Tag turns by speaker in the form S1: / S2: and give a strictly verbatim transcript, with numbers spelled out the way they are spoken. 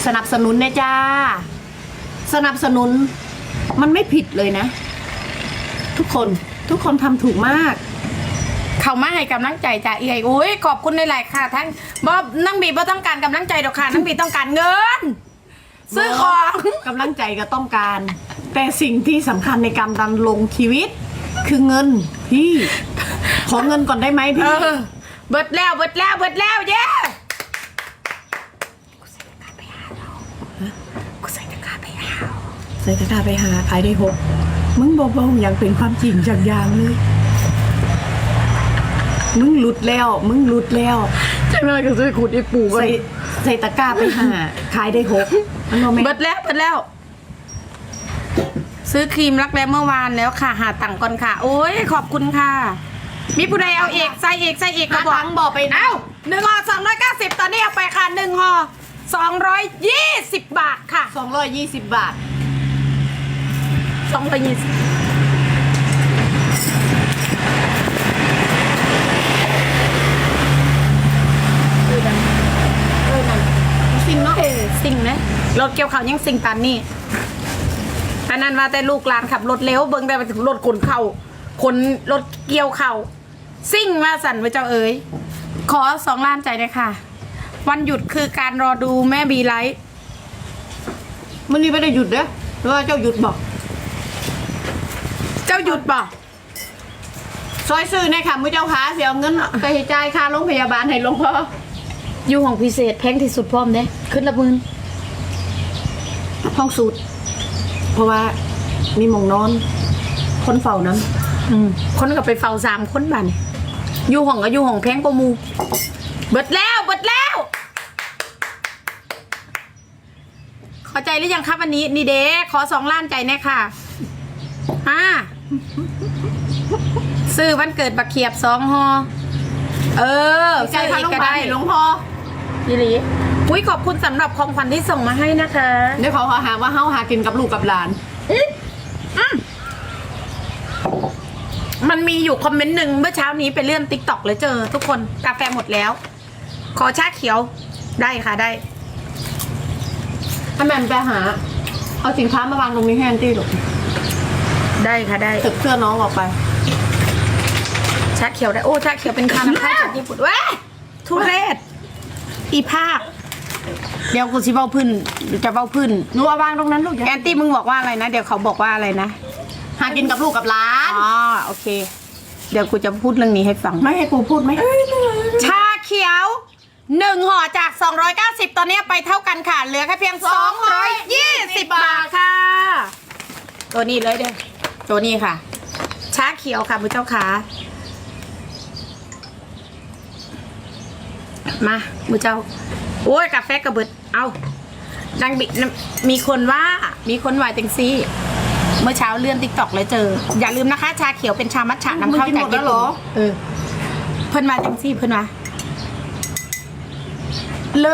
S1: สนับสนุนนะจ้าสนับสนุนมันไม่ผิดเลยนะทุกคนทุกคนทำถูกมาก
S2: เขามาให้กำลังใจจ้าเอ๋ยโอ้ยขอบคุณในหลายค่ะทั้งบอบนั่งบีบ่ต้องการกำลังใจดอกค่ะนั่งบีต้องการเงินซื้อของ
S1: กำลังใจก็ต้องการ แต่สิ่งที่สำคัญในการดำรงชีวิตคือเงินพี่ขอเงินก่อนได้ไหมพี่
S2: เบิดแล้วเบิดแล้วเบิดแล้วเย้กูใส่ตะกร้าไปหา
S1: ใส่ตะกร้าไปหาขายได้หกมึงบอกว่าอย่างเป็นความจริงจากอย่างเลยมึงหลุดแล้วมึงหลุดแล้ว
S2: จังเลยก็จะขุดไอ้ปู
S1: ใส่ใส่ตะกร้าไปหาขายได้หก
S2: เบิดแล้วเบิดแล้วซื้อครีมรักแร้เมื่อวานแล้วค่ะหาตังค์ก่อนค่ะโอ้ยขอบคุณค่ะมีผู้ใดเอาเอกใส่เอกใส่เอก
S1: ก็บอกบอกไป
S2: เอ้าหนึ่งห่อสองร้อยเก้าสิบตอนนี้เอาไปค่ะหนึ่งห่อสองร้อยยี่สิบบาทค่ะ
S1: สองร้อยยี่สิบบาท
S2: สองร้อยยี่สิบ
S1: สิ่งเนาะ
S2: สิ่งนะรถเกี่ยวเขายังสิ่งตันนี่อันนั้นว่าแต่ลูกหลานขับรถเร็วเบิ้งแต่ไปถึงรถขนเข่าขนรถเกี่ยวเข่าซิ่งมาสั่นไปเจ้าเอ๋ยขอสองล้านใจเลยค่ะวันหยุดคือการรอดูแม่บีไลท์
S1: มันนี่ไม่ได้หยุดเด้อหรือว่าเจ้าหยุดบอก
S2: เจ้าหยุดบอก
S1: ซอยซื้อในค่ะมือเจ้าขาเสียเงินไปจ่ายค่าโรงพยาบาลให้หลวงพ่อ
S2: อยู่ห้องพิเศษแพงที่สุดพร้อมเด้ขึ้นละหมื่น
S1: ห้องสูตรเพราะว่ามีหมองนอนคนเฝ้านั้น
S2: คนก็ไปเฝ้าสามคนบ้านอยู่ห้องก็อยู่ห้องแพงกว่ามูเบิดแล้วเบิดแล้วขอใจหรือยังครับวันนี้นี่เด้ขอสองล้านใจแน่ค่ะอ่าซื้อวันเกิดบักเขียบสองห่อเออ
S1: ใจพาลงไปหลวงพ่อ
S2: ยี่หลีอุ้ยขอบคุณสำหรับของขวัญที่ส่งมาให้นะคะ
S1: เดี๋ยวเขาหาว่าเฮาหากินกับลูกกับหลาน
S2: มันมีอยู่คอมเมนต์หนึ่งเมื่อเช้านี้ไปเลื่อนติ๊กต็อกเลยเจอทุกคนกาแฟหมดแล้วขอชาเขียวได้ค่ะได้
S1: ถ้าแม่ไปหาเอาสินค้ามาวางตรงนี้แฮนตี้หรอ
S2: ได้ค่ะได้
S1: ตึกเสื้อน้องออกไป
S2: ชาเขียวได้โอ้ชาเขียวเป็นคาน้ำข้าวจากญี่ปุ่นว้าทุเรศอีภาคเดี๋ยวกูสิเบ้าพื้นจะเบ้าพื้น
S1: หนูเอาวางตรงนั้นลูก
S2: แอนตี้มึงบอกว่าอะไรนะเดี๋ยวเขาบอกว่าอะไรนะ
S1: หากินกับลูกกับหลาน
S2: อ๋อโอเคเดี๋ยวกูจะพูดเรื่องนี้ให้ฟัง
S1: ไม่ให้กูพูดไหม
S2: ชาเขียวหนึ่งห่อจากสองร้อยเก้าสิบตอนนี้ไปเท่ากันค่ะเหลือแค่เพียงสองร้อยยี่สิบบาทค่ะตัวนี้เลยเด้อตัวนี้ค่ะชาเขียวค่ะมือเจ้าขามามือเจ้าโอ้ยกาแฟกระเบิดเอาดังบิมีคนว่ามีคนวายเต็งซี่เมื่อเช้าเลื่อนติ๊กต็อกเลยเจออย่าลืมนะคะชาเขียวเป็นชามัทฉะนำเข้าจากญี่ปุ่นเออเพิ่นมาเต็งซี่เพิ่นมา